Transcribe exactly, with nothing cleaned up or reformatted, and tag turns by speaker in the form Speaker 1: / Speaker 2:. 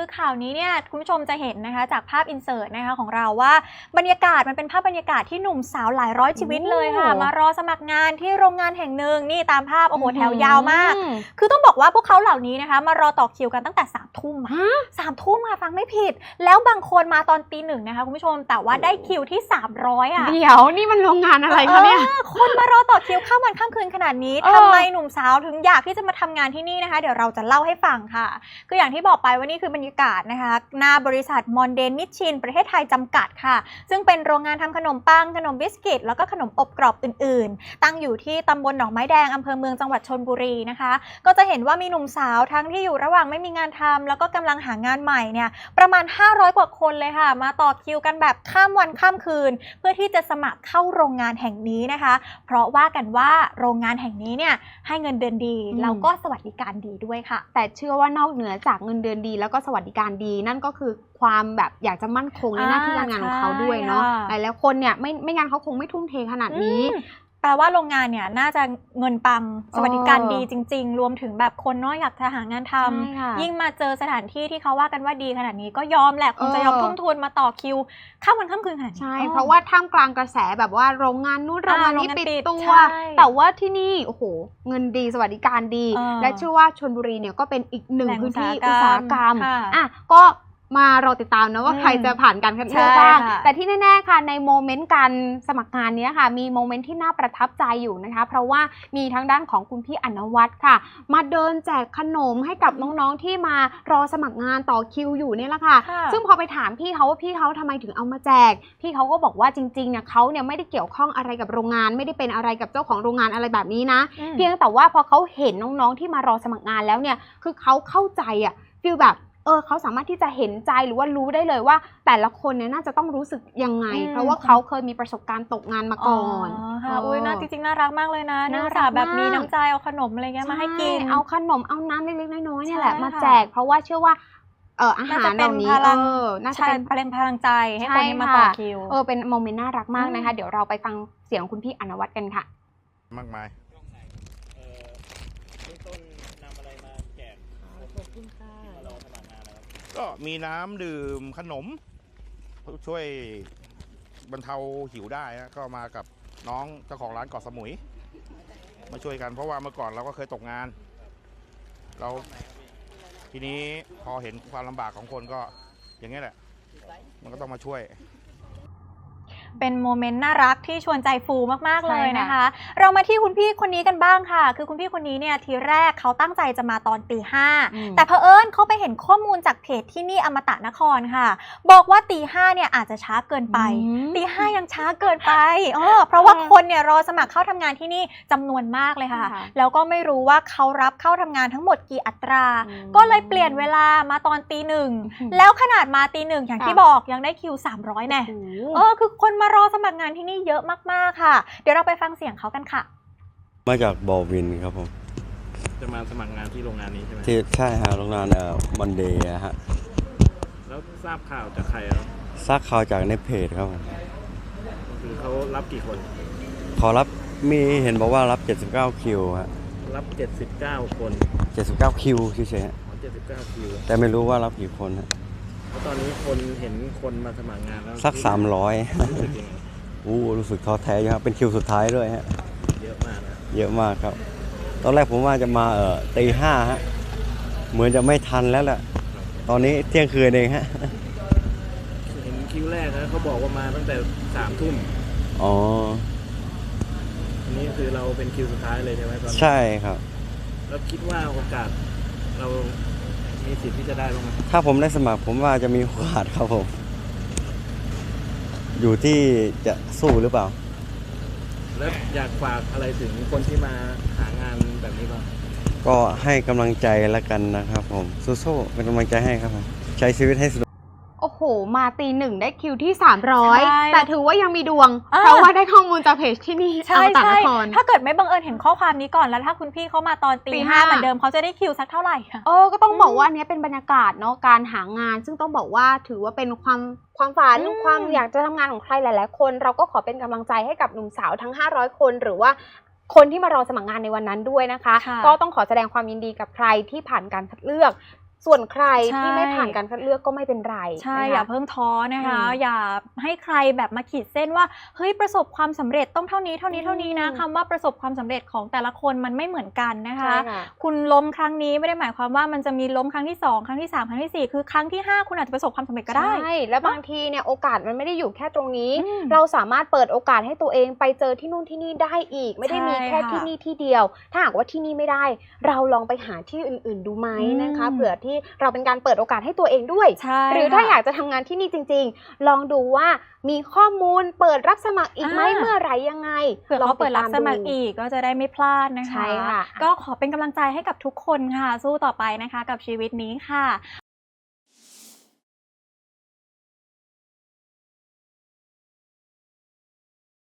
Speaker 1: คือข่าวนี้เนี่ยคุณผู้ชมจะเห็นนะคะจากภาพอินเสิร์ตนะคะของเราว่าบรรยากาศมันเป็นภาพบรรยากาศที่หนุ่มสาวหลายร้อยชีวิตเลยค่ะมารอสมัครงานที่โรงงานแห่งหนึ่งนี่ตามภาพโอ้โหแถวยาวมากคือต้องบอกว่าพวกเขาเหล่านี้นะคะมารอต่อคิวกันตั้งแต่สามทุ่มสามทุ่มค่ะฟังไม่ผิดแล้วบางคนมาตอนตีหนึ่งนะคะคุณผู้ชมแต่ว่าได้คิวที่สามร้อยอ่ะ
Speaker 2: เดี๋ยวนี่มันโรงงานอะไรคะเนี่ย
Speaker 1: คนมารอต่อคิวข้ามวันข้ามคืนขนาดนี้ทำไมหนุ่มสาวถึงอยากที่จะมาทำงานที่นี่นะคะเดี๋ยวเราจะเล่าให้ฟังค่ะคืออย่างที่บอกไปว่านี่คือบรรยากาศนะคะหน้าบริษัทมอนเดนนิชชินประเทศไทยจำกัดค่ะซึ่งเป็นโรงงานทำขนมปังขนมบิสกิตแล้วก็ขนมอบกรอบอื่นๆตั้งอยู่ที่ตำบลหนองไม้แดงอำเภอเมืองจังหวัดชลบุรีนะคะก็จะเห็นว่ามีหนุ่มสาวทั้งที่อยู่ระหว่างไม่มีงานทำแล้วก็กำลังหางานใหม่เนี่ยประมาณห้าร้อยกว่าคนเลยค่ะมาต่อคิวกันแบบข้ามวันข้ามคืนเพื่อที่จะสมัครเข้าโรงงานแห่งนี้นะคะเพราะว่ากันว่าโรงงานแห่งนี้เนี่ยให้เงินเดือนดีแล้วก็สวัสดิการดีด้วยค่ะ
Speaker 2: แต่เชื่อว่านอกเหนือจากเงินเดือนดีแล้วก็สวัสดิการดีนั่นก็คือความแบบอยากจะมั่นคงในหน้าที่การงานของเขาด้วยเนาะหลายๆคนเนี่ยไม่ไม่งั้นเขาคงไม่ทุ่มเทขนาดนี้
Speaker 1: แปลว่าโรงงานเนี่ยน่าจะเงินปังสวัสดิการดีจริงๆรวมถึงแบบคนเนาะอยากจะหางานทำยิ่งมาเจอสถานที่ที่เขาว่ากันว่าดีขนาดนี้ก็ยอมแหละคงจะยอมทุ่มทุนมาต่อคิวข้ามวันข้ามคืนขนาดนี้
Speaker 2: ใช่เพราะว่าท่ามกลางกระแสแบบว่าโรงงานนู้นโรงงานนี้ปิดตัวแต่ว่าที่นี่โอ้โหเงินดีสวัสดิการดีและเชื่อว่าชลบุรีเนี่ยก็เป็นอีกหนึ่งพื้นที่อุตสาหกรรมอ่ะก็มารอติดตามนะว่าใครจะผ่านการคัดเลือกบ้างแต่ที่แน่ๆค่ะในโมเมนต์การสมัครงานนี้ค่ะมีโมเมนต์ที่น่าประทับใจอยู่นะคะเพราะว่ามีทั้งด้านของคุณพี่อนวัฒน์ค่ะมาเดินแจกขนมให้กับน้องๆที่มารอสมัครงานต่อคิวอยู่นี่แหละค่ะซึ่งพอไปถามพี่เขาว่าพี่เขาทำไมถึงเอามาแจกพี่เขาก็บอกว่าจริงๆเนี่ยเขาเนี่ยไม่ได้เกี่ยวข้องอะไรกับโรงงานไม่ได้เป็นอะไรกับเจ้าของโรงงานอะไรแบบนี้นะเพียงแต่ว่าพอเขาเห็นน้องๆที่มารอสมัครงานแล้วเนี่ยคือเขาเข้าใจอ่ะฟีลแบบเออเขาสามารถที่จะเห็นใจหรือว่ารู้ได้เลยว่าแต่ละคนเนี่ยน่าจะต้องรู้สึกยังไงเพราะว่าเขาเคยมีประสบการณ์ตกงานมาก่อน
Speaker 1: ค่ะอุ้ยน่าจริงๆน่ารักมากเลยนะน่ารักแบบมีน้ำใจเอาขนมอะไรเงี้ยมาให้กิน
Speaker 2: เอาขนมเอาน้ำเล็กๆน้อยๆเนี่ยแหละมาแจกเพราะว่าเชื่อว่าเอออาหารเหล่านี้เออน่าจะเป็น
Speaker 1: เป็นพลังใจให้คนที่มาต่อคิว
Speaker 2: เออเป็นโมเมนต์น่ารักมากนะคะเดี๋ยวเราไปฟังเสียงคุณพี่อนวัฒน์กันค่ะ
Speaker 3: มากมายก็มีน้ำดื่มขนมช่วยบรรเทาหิวได้นะก็มากับน้องเจ้าของร้านเกาะสมุยมาช่วยกันเพราะว่าเมื่อก่อนเราก็เคยตกงานเราทีนี้พอเห็นความลำบากของคนก็อย่างนี้แหละมันก็ต้องมาช่วย
Speaker 1: เป็นโมเมนต์น่ารักที่ชวนใจฟูมากๆเลยนะคะเรามาที่คุณพี่คนนี้กันบ้างค่ะคือคุณพี่คนนี้เนี่ยทีแรกเขาตั้งใจจะมาตอนตีห้าแต่เผอิญเขาไปเห็นข้อมูลจากเพจที่นี่อมตะนครค่ะบอกว่าตีห้าเนี่ยอาจจะช้าเกินไปตีห้ายังช้าเกินไปเออเพราะว่าคนเนี่ยรอสมัครเข้าทำงานที่นี่จำนวนมากเลยค่ะแล้วก็ไม่รู้ว่าเขารับเข้าทำงานทั้งหมดกี่อัตราก็เลยเปลี่ยนเวลามาตอนตีหนึ่งแล้วขนาดมาตีหนึ่งอย่างที่บอกยังได้คิวสามร้อยแน่เออคือคนมารอสมัครงานที่นี่เยอะมากๆค่ะเดี๋ยวเราไปฟังเสียงเขากันค่ะ
Speaker 4: มาจากบอวินครับผม
Speaker 5: จะมาสมัครงานที่โรงงานนี้ใช่ไหม
Speaker 4: ที่ใช่ฮะโรงงานเอ่อมันเดย์ฮะ
Speaker 5: แล้วทราบข่าวจากใครครับ
Speaker 4: ทราบข่าวจากในเพจครับผม
Speaker 5: คือเขารับกี่คน
Speaker 4: ขอรับมีเห็นบอกว่ารับเจ็ดสิบเก้าคิวฮะ
Speaker 5: รับเจ็ดสิบเก้าคน
Speaker 4: เจ็ดสิบเก้าคิวเฉยๆฮะ
Speaker 5: เจ็ดสิบเก้าคิว
Speaker 4: แต่ไม่รู้ว่ารับกี่คนฮะ
Speaker 5: แล้วตอนนี้คนเห็นคนมาสมัครงานแล้ว
Speaker 4: สักสามร้อยอู้รู้สึกท้อแท้ครับเป็นคิวสุดท้ายด้วยฮะ
Speaker 5: เยอะมากนะ
Speaker 4: เยอะมากครับตอนแรกผมว่าจะมาเอ่อตีห้าฮะเหมือนจะไม่ทันแล้วแหละตอนนี้เที่ยงคืนเองฮะ
Speaker 5: เห็นคิวแรกนะเขาบอกว่ามาตั้งแต่สามทุ่ม
Speaker 4: อ๋อ
Speaker 5: อันนี้คือเราเป็นคิวสุดท้ายเลยใช่ไหมตอน
Speaker 4: ใช่ครับ
Speaker 5: แล้วคิดว่าโอกาสเรามีสิทธิ์ที่จะได้บ้างไหม
Speaker 4: ถ้าผมได้สมัครผมว่าจะมีโอกาสครับผมอยู่ที่จะสู้หรือเปล่า
Speaker 5: แล้วอยากฝากอะไรถึงคนที่มาหางานแบบนี้บ้าง
Speaker 4: ก็ให้กำลังใจแล้วกันนะครับผมสู้ๆเป็นกำลังใจให้ครับผมใช้ชีวิตให้สนุก
Speaker 2: โอ้โหมาตีหนึ่งได้คิวที่สามร้อยแต่ถือว่ายังมีดวงเพราะว่าได้ข้อมูลจากเพจที่นี่
Speaker 1: ใช่ใช่ถ้าเกิดไม่บังเอิญเห็นข้อความนี้ก่อนแล้วถ้าคุณพี่เขามาตอนตีห้าเหมือนเดิมเขาจะได้คิวสักเท่าไหร่คะ
Speaker 2: เออก็ต้องบอกว่านี้เป็นบรรยากาศเนาะการหางานซึ่งต้องบอกว่าถือว่าเป็นความความฝันความอยากจะทำงานของใครหลายๆคนเราก็ขอเป็นกำลังใจให้กับหนุ่มสาวทั้งห้าร้อยคนหรือว่าคนที่มารอสมัครงานในวันนั้นด้วยนะคะก็ต้องขอแสดงความยินดีกับใครที่ผ่านการคัดเลือกส่วนใคร
Speaker 1: ใช่
Speaker 2: ที่ไม่ผ่านการคัดเลือกก็ไม่เป็นไร
Speaker 1: ใช่
Speaker 2: นะคะ
Speaker 1: อย่าเพิ่งท้อนะคะ
Speaker 2: อืม
Speaker 1: อย่าให้ใครแบบมาขีดเส้นว่าเฮ้ยประสบความสำเร็จต้องเท่านี้เท่านี้เท่านี้นะ
Speaker 2: อืม
Speaker 1: คำว่าประสบความสำเร็จของแต่ละคนมันไม่เหมือนกันนะคะ
Speaker 2: ใช่ค่ะ
Speaker 1: คุณล้มครั้งนี้ไม่ได้หมายความว่ามันจะมีล้มครั้งที่สองครั้งที่สามครั้งที่สี่คือครั้งที่ห้าคุณอาจจะประสบความสำเร็จก็ได้
Speaker 2: ใช่แล้วบางทีเนี่ยโอกาสมันไม่ได้อยู่แค่ตรงนี้
Speaker 1: อืม
Speaker 2: เราสามารถเปิดโอกาสให้ตัวเองไปเจอที่นู่นที่นี่ได้อีก ไม่ได้มีแค่
Speaker 1: ใช่ค่ะ
Speaker 2: ที่นี่ที่เดียว ถ้าหากว่าที่นี่ไม่ได้ เราลองไปหาที่อื่น ๆ ดูไหม
Speaker 1: อืม
Speaker 2: นะคะเผื่อที่เราเป็นการเปิดโอกาสให้ตัวเองด้วย
Speaker 1: ใช่
Speaker 2: หรือถ้า
Speaker 1: ค่ะ
Speaker 2: อยากจะทำงานที่นี่จริง ๆ ลองดูว่ามีข้อมูลเปิดรับสมัครอีกไหม
Speaker 1: อ่า
Speaker 2: เมื่อไหร่ยังไง
Speaker 1: เผื่อ
Speaker 2: ลอง
Speaker 1: เขาเปิดรับสมัคร
Speaker 2: ติตา
Speaker 1: อีกก็จะได้ไม่พลาดนะคะ
Speaker 2: ใช่ค่ะ
Speaker 1: ก็ขอเป็นกำลังใจให้กับทุกคนค่ะ สู้ต่อไปนะคะกับชีวิตนี้ค่ะ